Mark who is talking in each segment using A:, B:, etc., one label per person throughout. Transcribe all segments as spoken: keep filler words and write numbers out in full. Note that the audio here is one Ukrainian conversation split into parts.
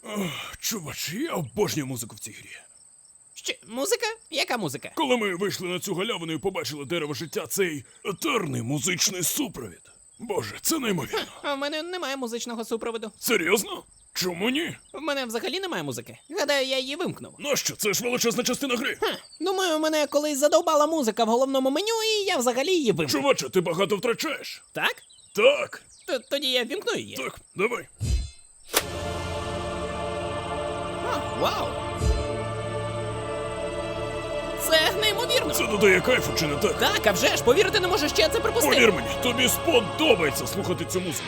A: Чувач, я обожнюю музику в цій грі.
B: Що, музика? Яка музика?
A: Коли ми вийшли на цю галявину і побачили дерево життя, цей етерний музичний супровід. Боже, це неймовірно.
B: А в мене немає музичного супроводу.
A: Серйозно? Чому ні?
B: В мене взагалі немає музики. Гадаю, я її вимкнув.
A: Нащо? Це ж величезна частина гри.
B: Ха, думаю, мене колись задовбала музика в головному меню, і я взагалі її вимкнув.
A: Чуваче, ти багато втрачаєш.
B: Так?
A: Так,
B: Т- Тоді я вімкну її.
A: так, давай.
B: А, вау! Це неймовірно.
A: Це додає кайфу, чи не так?
B: Так, а вже ж, повірити не можу, що я це припустив.
A: Повір мені, тобі сподобається слухати цю музику.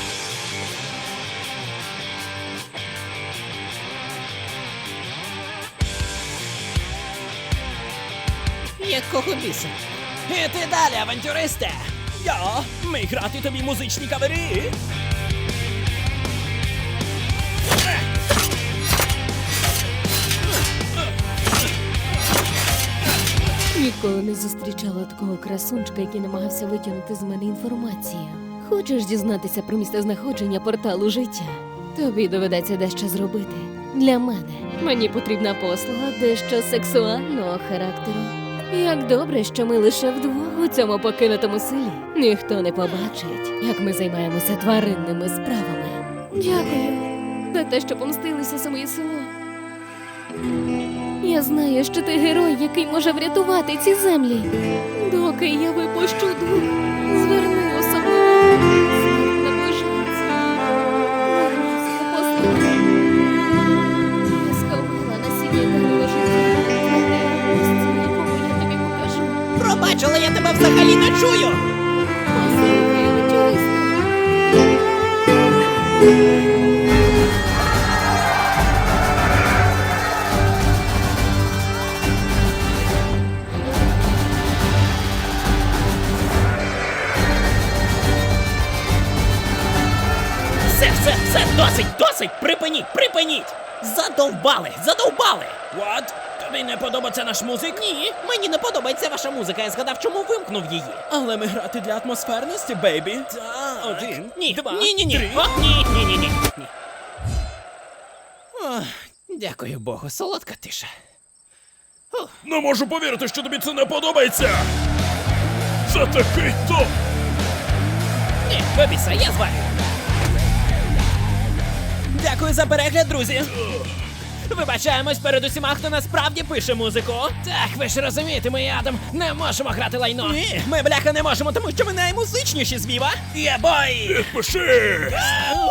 B: Якого біса? Іти далі, авантюристе! Я ми грати тобі музичні кавери.
C: Ніколи не зустрічала такого красунчика, який намагався витягнути з мене інформацію. Хочеш дізнатися про місцезнаходження порталу життя? Тобі доведеться дещо зробити. Для мене мені потрібна послуга дещо сексуального характеру. Як добре, що ми лише вдвох у цьому покинутому селі. Ніхто не побачить, як ми займаємося тваринними справами. Дякую за те, що помстилися за моє село. Я знаю, що ти герой, який може врятувати ці землі. Доки я випущу дух, зверни особливо. Смерть наближається. Вернися, послухай. Я сховала насіння дерева життя. Твоє місце, якому я тобі покажу.
B: Пробач, але я тебе взагалі не чую.
C: Послухай, авантюристи.
B: Все, все, все, досить, досить! Припиніть, припиніть! Задовбали, задовбали! What? Тобі не подобається наш музик? Ні, мені не подобається ваша музика, я згадав, чому вимкнув її.
D: Але ми грати для атмосферності, бейбі.
B: Так.
D: Один,
B: Ні,
D: два,
B: ні, ні, ні.
D: три.
B: О, ні, ні, ні, ні, ні. Ох, дякую Богу, солодка тиша. Фух.
A: Не можу повірити, що тобі це не подобається. Це такий топ.
B: Ні, бабіса, я зварю.
D: Дякую за перегляд, друзі.
B: Вибачаємось перед усіма, хто насправді пише музику. Так, ви ж розумієте, ми і Адам не можемо грати лайно.
D: Ні, ми бляха не можемо, тому що ми наймузичніші з Віва.
B: Є бой!
A: Підпишись!